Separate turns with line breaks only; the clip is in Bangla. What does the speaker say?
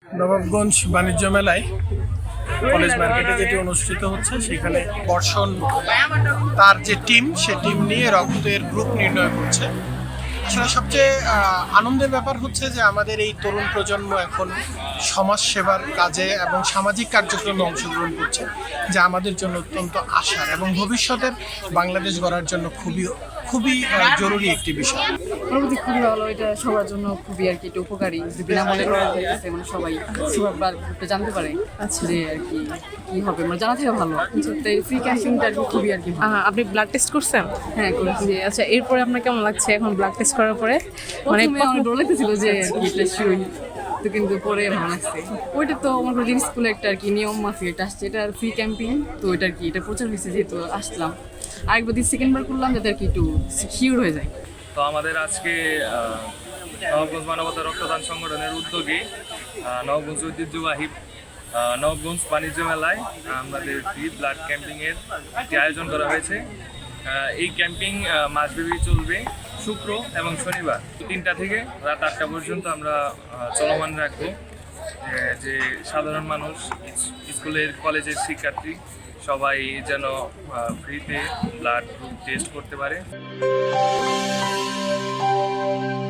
নবাবগঞ্জ বাণিজ্য মেলায় কলেজ মার্কেটে যেটি অনুষ্ঠিত হচ্ছে সেখানে বর্ষণ তার যে টিম সে টিম নিয়ে রক্তের গ্রুপ নির্ণয় করছে। আসলে সবচেয়ে আনন্দের ব্যাপার হচ্ছে যে আমাদের এই তরুণ প্রজন্ম এখন সমাজ সেবার কাজে এবং সামাজিক কার্যক্রমে অংশগ্রহণ করছে, যা আমাদের জন্য অত্যন্ত আশার এবং ভবিষ্যতের বাংলাদেশ গড়ার জন্য খুবই খুবই জরুরি একটি বিষয়।
অনুভূতি খুবই ভালো, এটা সবার জন্য খুবই আর কি এটা উপকারী, যে বিনামূল্যে করা যাইতেছে, মানে সবাই সুভাবে জানতে পারে যে আর কি কি হবে, মানে জানা থেকে ভালো। তাই ফ্রি ক্যাম্পিংটা আর কি খুবই আর কি ভালো।
আপনি ব্লাড টেস্ট করছেন?
হ্যাঁ, করেছি।
জি, আচ্ছা, এরপরে আপনার কেমন লাগছে এখন ব্লাড টেস্ট করার পরে?
মানে অনেক ডর লাগতেছিল যে আর কি এটা শিওর, তো কিন্তু পরে ভালো লাগছে। ওইটা তো আমার কলেজ স্কুলে একটা আর কি নিয়ম মাফিক এটা আসছে, এটা ফ্রি ক্যাম্পিং, তো এটা আর কি এটা প্রচার হয়েছে যেহেতু আসলাম, আরেকবার সেকেন্ডবার করলাম যাতে আর কি একটু শিওর হয়ে যায়।
তো আমাদের আজকে নবাবগঞ্জ মানবতা রক্তদান সংগঠনের উদ্যোগে নবাবগঞ্জ ঐতিহ্যবাহী নবাবগঞ্জ বাণিজ্য মেলায় আমাদের ফ্রি ব্লাড ক্যাম্পিংয়ের একটি আয়োজন করা হয়েছে। এই ক্যাম্পিং মাসব্যাপী চলবে শুক্র এবং শনিবার 3টা থেকে রাত 8টা পর্যন্ত আমরা চলমান রাখবো। যে সাধারণ মানুষ, স্কুলের কলেজের শিক্ষার্থী সবাই যেন ফ্রিতে ব্লাড গ্রুপ টেস্ট করতে পারে।